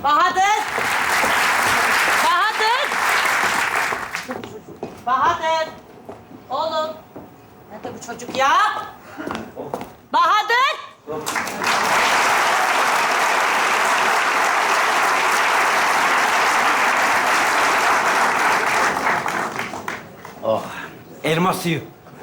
Bahadır! Bahadır! Bahadır! Oğlum! Nerede bu çocuk ya? Bahadır! Oh, elma suyu.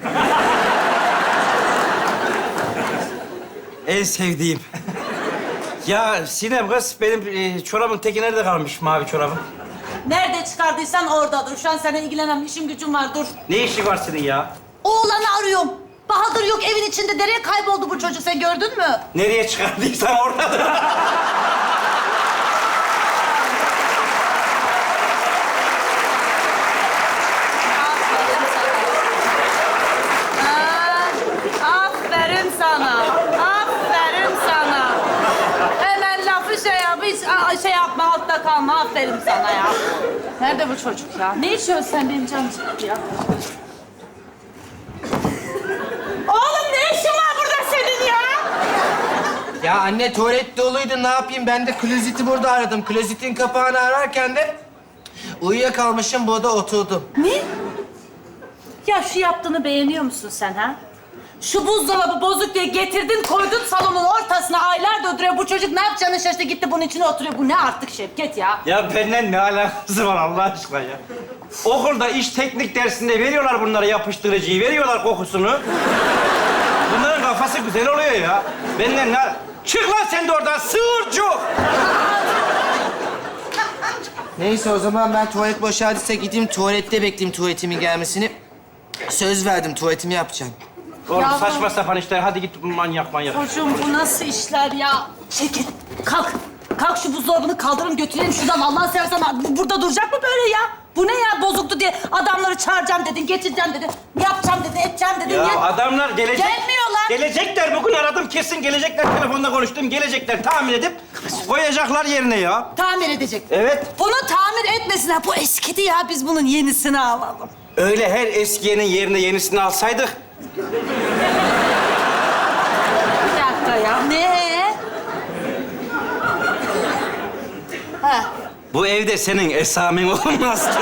En sevdiğim. Ya Sinem kız, benim çorabın teki nerede kalmış, mavi çorabım? Nerede çıkardıysan orada dur. Şu an seninle ilgilenemem. İşim gücüm var. Dur. Ne işi var senin ya? Oğlanı arıyorum. Bahadır yok evin içinde. Nereye kayboldu bu çocuk? Sen gördün mü? Nereye çıkardıysan oradadır. Aferin sana. Aferin sana. Hemen lafı şey yap, hiç şey yapma, altta kalma. Aferin sana ya. Nerede bu çocuk ya? Ne içiyorsun sen benim canım ya? Oğlum ne işin var burada senin ya? Ya anne tuvalet doluydu ne yapayım? Ben de klozeti burada aradım. Klozetin kapağını ararken de uyuyakalmışım burada oturdum. Ne? Ya şu yaptığını beğeniyor musun sen ha? Şu buzdolabı bozuk diye getirdin, koydun salonun ortasına aylardır duruyor. Bu çocuk ne yapacağını şaşırdı, gitti bunun içine oturuyor. Bu ne artık Şevket ya? Ya benden ne alakası var Allah aşkına ya? Okulda iş teknik dersinde veriyorlar bunlara yapıştırıcıyı, veriyorlar kokusunu. Bunların kafası güzel oluyor ya. Benden ne... Çık lan sen de oradan, sığırcık! Neyse o zaman ben tuvalet boşaldıysa gideyim tuvalette bekleyeyim tuvaletimin gelmesini. Söz verdim tuvaletimi yapacağım. Oğlum Yavrum. saçma sapan işler, hadi git manyak. Çocuğum bu nasıl işler ya? Şevket kalk. Kalk şu buzdolabını kaldırın götürelim şuradan. Allah'ını seversen bu burada duracak mı böyle ya? Bu ne ya bozuktu diye adamları çağıracağım dedin, getireceğim dedin. Yapacağım dedin, edeceğim dedin. Ya adamlar gelecek... Gelmiyorlar. Gelecekler, bugün aradım kesin gelecekler. Telefonda konuştum, gelecekler. Tamir edip koyacaklar yerine ya. Tamir edecek. Evet. Bunu tamir etmesinler. Bu eskidi ya. Biz bunun yenisini alalım. Öyle her eskiyenin yerine yenisini alsaydık... Bir dakika ya. Ne? Ha. Bu evde senin esamen olmazdı.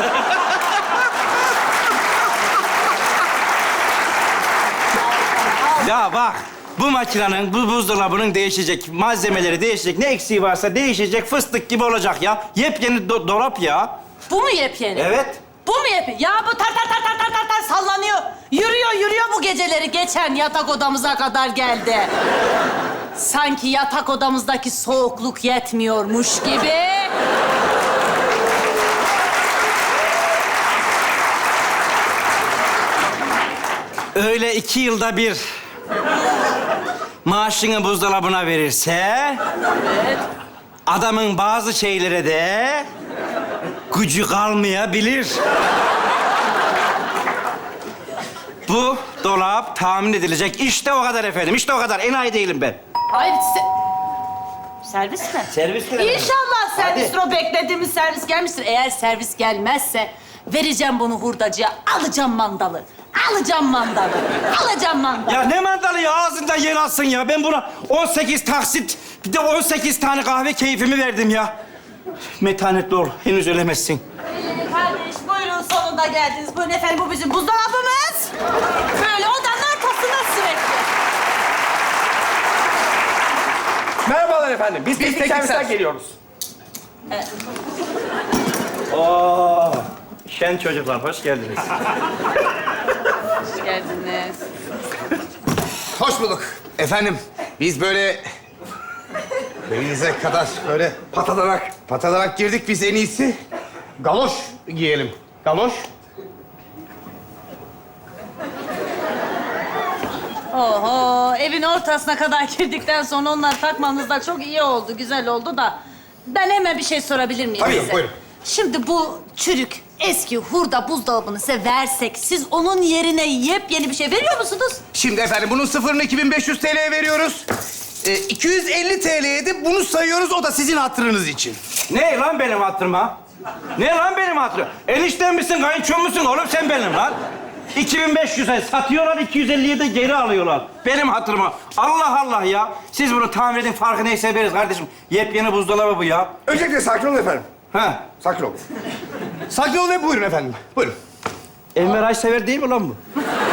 Ya bak, bu makinenin, bu buzdolabının değişecek, malzemeleri değişecek, ne eksiği varsa değişecek, fıstık gibi olacak ya. Yepyeni dolap ya. Bu mu yepyeni? Evet. Bu mu yepyeni? Ya bu tar sallanıyor. Yürüyor bu geceleri. Geçen yatak odamıza kadar geldi. Sanki yatak odamızdaki soğukluk yetmiyormuş gibi. Öyle 2 yılda bir maaşını buzdolabına verirse... Evet. Adamın bazı şeylere de gücü kalmayabilir. Bu dolap tahmin edilecek. İşte o kadar efendim, işte o kadar. Enayi değilim ben. Hayır, servis mi? Servis mi? İnşallah servistir. Hadi. O beklediğimiz servis gelmiştir. Eğer servis gelmezse vereceğim bunu hurdacıya. Alacağım mandalı. Alacağım mandalı. Ya ne mandalı ya? Ağzından yer alsın ya. Ben buna 18 taksit, bir de 18 tane kahve keyfimi verdim ya. Metanetli ol, henüz ölemezsin. Kardeş buyurun sonunda geldiniz. Buyurun efendim bu bizim buzdolabımız. Böyle odanın ortasında sürekli. Merhabalar efendim. Biz teknik servisten servis. geliyoruz. Oo, şen çocuklar, hoş geldiniz. Hoş geldiniz. Hoş bulduk. Efendim, biz böyle belinize kadar böyle patadanak girdik. Biz en iyisi galoş giyelim. Galoş. Oho, evin ortasına kadar girdikten sonra onları takmanız da çok iyi oldu, güzel oldu da... Ben hemen bir şey sorabilir miyim Tabii, size? buyurun. Şimdi bu çürük, eski hurda buzdolabını size versek... ...siz onun yerine yepyeni bir şey veriyor musunuz? Şimdi efendim bunun sıfırını 2500 TL'ye veriyoruz. 250 TL'ye de bunu sayıyoruz. O da sizin hatırınız için. Ne lan benim hatırıma? Ne lan benim hatırım? Enişten misin, kayınçom musun oğlum sen benim lan? 2500'e satıyorlar, 250'ye de geri alıyorlar. Benim hatırıma. Allah Allah ya. Siz bunu tamir edin, farkı neyse veririz kardeşim. Yepyeni buzdolabı bu ya. Öncelikle sakin olun efendim. Ha. Sakin olun. Sakin olun ve buyurun efendim. Buyurun. Enver Aysever değil mi lan bu?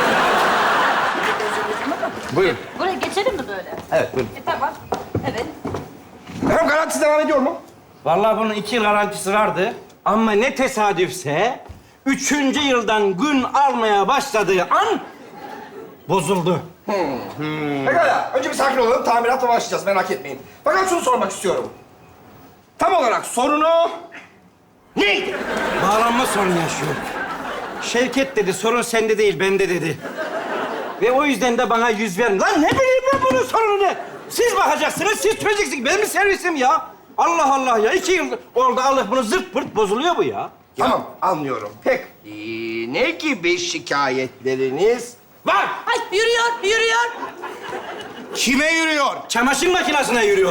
Buyurun. Buraya geçelim mi böyle? Evet, buyurun. Tamam. Evet. Efendim garantisi devam ediyor mu? Vallahi bunun 2 yıl garantisi vardı. Ama ne tesadüfse 3. yıldan gün almaya başladığı an bozuldu. Pekala. Önce bir sakin olalım. Tamirata başlayacağız. Merak etmeyin. Fakat şunu sormak istiyorum. Tam olarak sorunu neydi? Bağlanma sorunu yaşıyor. Şevket dedi, sorun sende değil, bende dedi. Ve o yüzden de bana yüz verin. Lan ne bileyim ben bunun sorunu ne? Siz bakacaksınız, siz çözeceksiniz. Benim servisim ya. Allah Allah ya. 2 yıl orada alıp bunu zırt pırt bozuluyor bu ya. Tamam, anlıyorum. Peki, ne gibi şikayetleriniz var? Ay yürüyor. Kime yürüyor? Çamaşır makinesine yürüyor.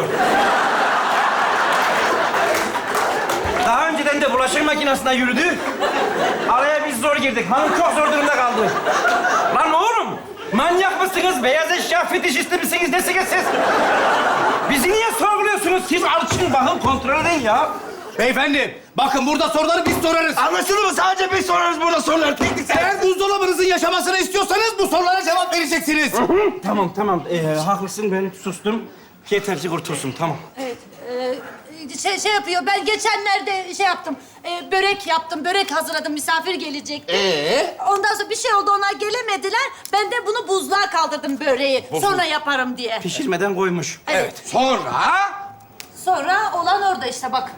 Daha önceden de bulaşık makinesine yürüdü. Araya biz zor girdik. Hanım çok zor durumda kaldı. Lan oğlum, manyak mısınız? Beyaz eşya fetişisti misiniz? Nesiniz siz? Bizi niye sorguluyorsunuz? Siz açın, bakın, kontrol edin ya. Beyefendi, bakın burada soruları biz sorarız. Anlaşıldı mı? Sadece biz sorarız burada soruları. Teknik Eğer buzdolabınızın yaşamasını istiyorsanız bu sorulara cevap vereceksiniz. Tamam. Haklısın, ben sustum. Yeterci kurtulsun, tamam. Evet. Şey yapıyor. Ben geçenlerde şey yaptım. Börek yaptım. Börek hazırladım. Misafir gelecekti. Ondan sonra bir şey oldu. Onlar gelemediler. Ben de bunu buzluğa kaldırdım böreği. Sonra yaparım diye. Pişirmeden koymuş. Evet. Sonra? Sonra olan orada işte bak.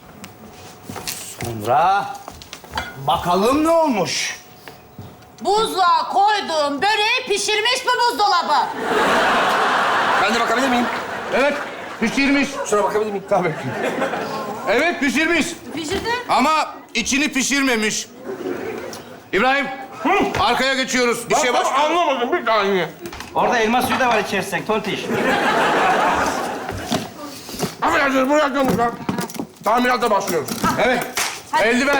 Sonra bakalım ne olmuş? Buzluğa koyduğum böreği pişirmiş mi buzdolabı? Ben de bakabilir miyim? Evet, pişirmiş. Şuna bakabilir miyim? Tabii. Evet, pişirmiş. Pişirdi. Ama içini pişirmemiş. İbrahim, arkaya geçiyoruz. Bir şey var. Anlamadım bir saniye. Orada elma suyu da var içerisinde, tontiş. Affedersiniz, buraya lütfen. Tamirata başlıyoruz. Evet, Hadi. eldiven.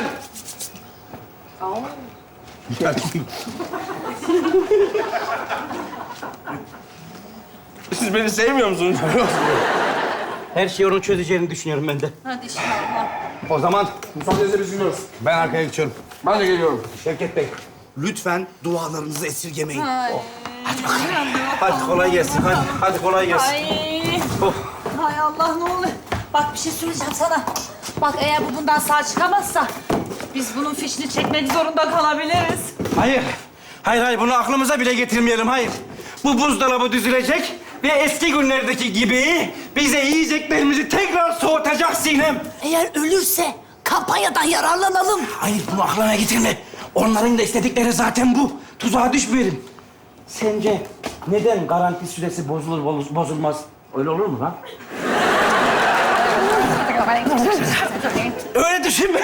Siz beni sevmiyor musunuz? Her şeyi onun çözeceğini düşünüyorum ben de. Hadi inşallah. O zaman Müsaadenizle biz gidiyoruz. ben arkaya geçiyorum. Ben de geliyorum. Şevket Bey, lütfen dualarınızı esirgemeyin. Ay. Hadi kolay gelsin, hadi kolay gelsin. Ay. Oh. Hay Allah ne oluyor? Bak bir şey söyleyeceğim sana. Bak eğer bu bundan sağ çıkamazsa biz bunun fişini çekmek zorunda kalabiliriz. Hayır, bunu aklımıza bile getirmeyelim, hayır. Bu buzdolabı düzülecek ve eski günlerdeki gibi bize yiyeceklerimizi tekrar soğutacak Sinem. Eğer ölürse kampanyadan yararlanalım. Hayır, bunu aklına getirme. Onların da istedikleri zaten bu. Tuzağa düşmeyelim. Sence neden garanti süresi bozulmaz? Öyle olur mu lan? Öyle düşünme.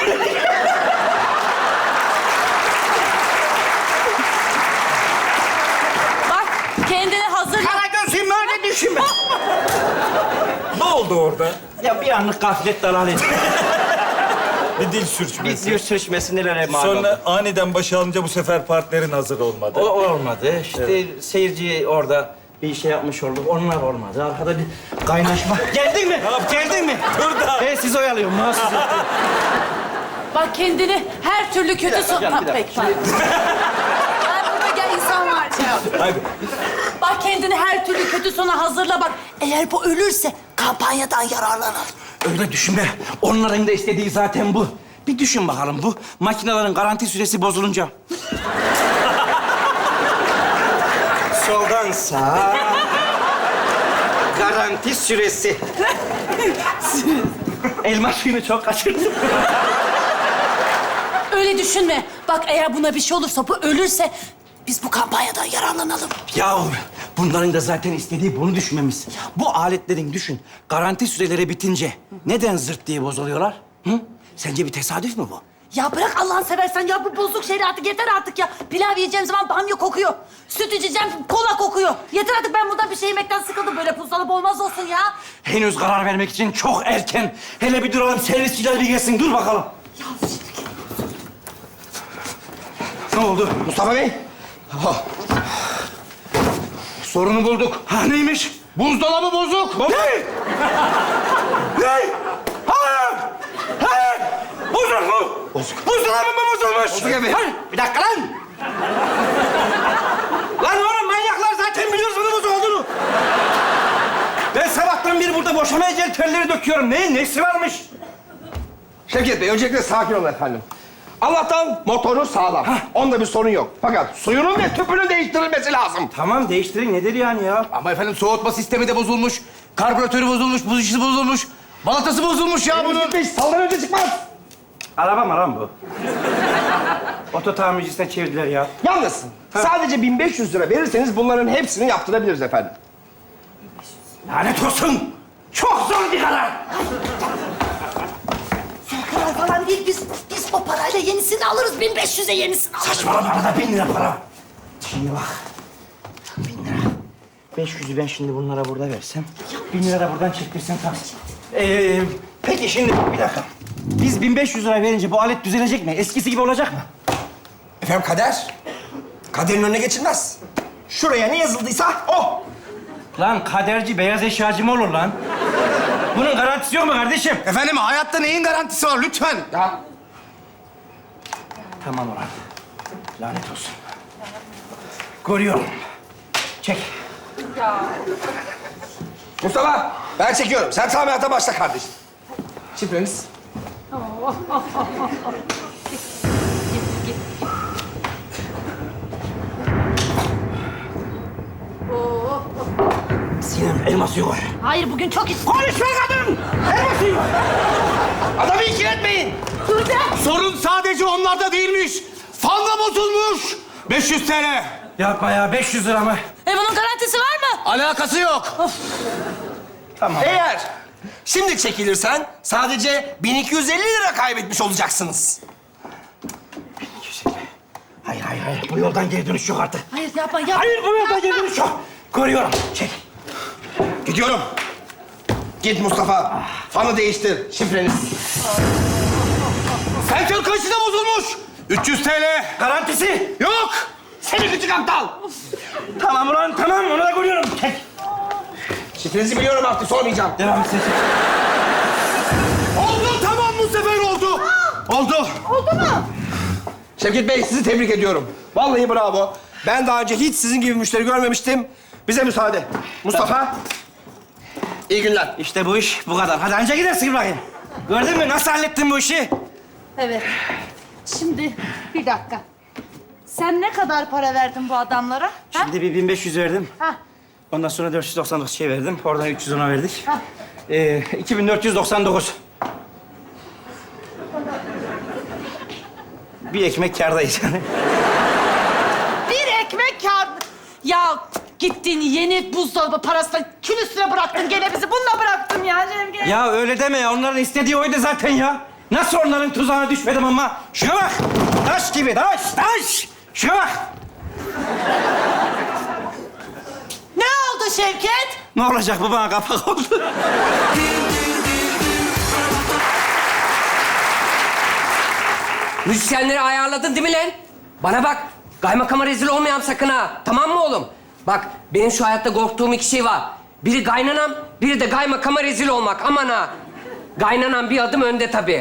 Bak kendini hazır... Karagöz'üm öyle düşünme. Ne oldu orada? Ya bir anlık gaflet dalalet. Bir dil Bir sürçmesi. diyor sürçmesi nelere mal oldu. Sonra aniden başa alınca bu sefer partnerin hazır olmadı. O olmadı. İşte seyirci orada bir şey yapmış olduk. Onlar olmadı. Arkada bir kaynaşma. Geldin mi? Geldin mi? Burada. Ben sizi oyalıyorum. Mahsus yapıyorum. Bak kendini her türlü kötü son... canım, bir dakika. Peki, pardon. Ben burada gel insan var. Hadi. Bak kendini her türlü kötü sona hazırla bak. Eğer bu ölürse kampanyadan yararlanalım. Öyle düşünme. Onların da istediği zaten bu. Bir düşün bakalım bu makinelerin garanti süresi bozulunca. Soldan sağa. Garanti süresi. Elma suyunu çok kaçırdım. Öyle düşünme. Bak eğer buna bir şey olursa, bu ölürse... biz bu kampanyadan yararlanalım. Ya bunların da zaten istediği bunu düşünmemiz. Bu aletlerin düşün, garanti süreleri bitince neden zırt diye bozuluyorlar? Hı? Sence bir tesadüf mü bu? Ya bırak Allah'ını seversen ya, bu bozuk şeyler artık yeter artık ya. Pilav yiyeceğim zaman bamya kokuyor. Süt içeceğim, kola kokuyor. Yeter artık, ben bundan bir şey yemekten sıkıldım. Böyle buzdolabı olmaz olsun ya. Henüz karar vermek için çok erken. Hele bir duralım, servisçiler bir gelsin. Dur bakalım. Ya Ne oldu? Mustafa Bey, Sorunu bulduk. Ha neymiş? Buzdolabı bozuk. Ne? Ne? Hayır! Hayır! Bozuk mu? Bozuk. Buzdolabı mı bozulmuş? Bozuk evet. Hayır, bir dakika lan! Lan oğlum manyaklar zaten biliyoruz bunun bozuk olduğunu. Ben sabahtan beri burada boşamaya gel telleri döküyorum. Neyin nesi varmış? Şevket Bey, öncelikle sakin olun efendim. Allah'tan motoru sağlam. Onda bir sorun yok. Fakat suyunun ve tüpünün değiştirilmesi lazım. Tamam değiştirin nedir yani ya? Ama efendim soğutma sistemi de bozulmuş. Karbüratörü bozulmuş, buz işi bozulmuş. Balatası bozulmuş ya bunun. Şevket Bey, saldan önce çıkmaz. Araba mı lan bu? Oto tamircisine çevirdiler ya. Yalnız sadece 1500 lira verirseniz bunların hepsini yaptırabiliriz efendim. Lanet olsun! Çok zor bir karar! Karar falan değil. Biz o parayla yenisini alırız. 1500'e yenisini alırız. Saçmalama arada 1000 lira para. Şimdi bak. 1000 lira. 500'ü ben şimdi bunlara burada versem, 1000 lira da buradan çektirsem tabii. Peki şimdi bir dakika. Biz 1500 lira verince bu alet düzelecek mi? Eskisi gibi olacak mı? Efendim kader. Kaderin önüne geçilmez. Şuraya ne yazıldıysa o. Lan kaderci beyaz eşyacı mı olur lan? Bunun garantisi yok mu kardeşim? Efendim hayatta neyin garantisi var lütfen? Ya Tamam ulan. Lanet olsun. Görüyorum. Çek. Mustafa, ben çekiyorum. Sen tamirata başla kardeşim. Şifreniz. Sinem elma suyu koy. Hayır bugün çok istedim. Konuşma kadın! Elma suyu koy. Adamı ikiletmeyin. Sorun sadece onlarda değilmiş. Fan da bozulmuş. 500 TL. Yapma ya 500 lira mı? Bunun garantisi var mı? Alakası yok. Tamam. Eğer şimdi çekilirsen sadece 1250 lira kaybetmiş olacaksınız. Hayır. Bu yoldan geri dönüş yok artık. Hayır yapma yapma. Hayır bu yoldan geri dönüş yok. Görüyorum. Çek. Gidiyorum. Git Mustafa. Fanı değiştir. Şifreniz. Sensör kayışı da bozulmuş. 300 TL. Garantisi. Yok. Seni küçük aptal. Tamam ulan tamam onu da görüyorum. Çek. Şifrenizi biliyorum artık sormayacağım. Devam et sen. Oldu tamam bu sefer oldu. Oldu. Oldu mu? Şevket Bey sizi tebrik ediyorum. Vallahi bravo. Ben daha önce hiç sizin gibi müşteri görmemiştim. Bize müsaade. Mustafa. İyi günler. İşte bu iş bu kadar. Hadi anca gidersin İbrahim. Gördün mü nasıl hallettin bu işi? Evet. Şimdi bir dakika. Sen ne kadar para verdin bu adamlara? Ha? Şimdi bir 1500 verdim. Ha. Ondan sonra 499 şey verdim. Oradan 300 ona verdik. Ha. 2499. Bir ekmek kârdayız yani. Bir ekmek kâr... Ya gittin yeni buzdolabı parasını külüstüne bıraktın gene bizi. Bununla bıraktın ya Cemge. Ya öyle deme ya. Onların istediği oydu zaten ya. Nasıl onların tuzağına düşmedim ama. Şuna bak. Taş gibi taş. Şuna bak. Ne oldu Şevket? Ne olacak bu bana kapak oldu. Müzisyenleri ayarladın değil mi lan? Bana bak, kaymakama rezil olmayalım sakın ha. Tamam mı oğlum? Bak, benim şu hayatta korktuğum iki şey var. Biri kaynanam, biri de kaymakama rezil olmak. Aman ha. Kaynanam bir adım önde tabii.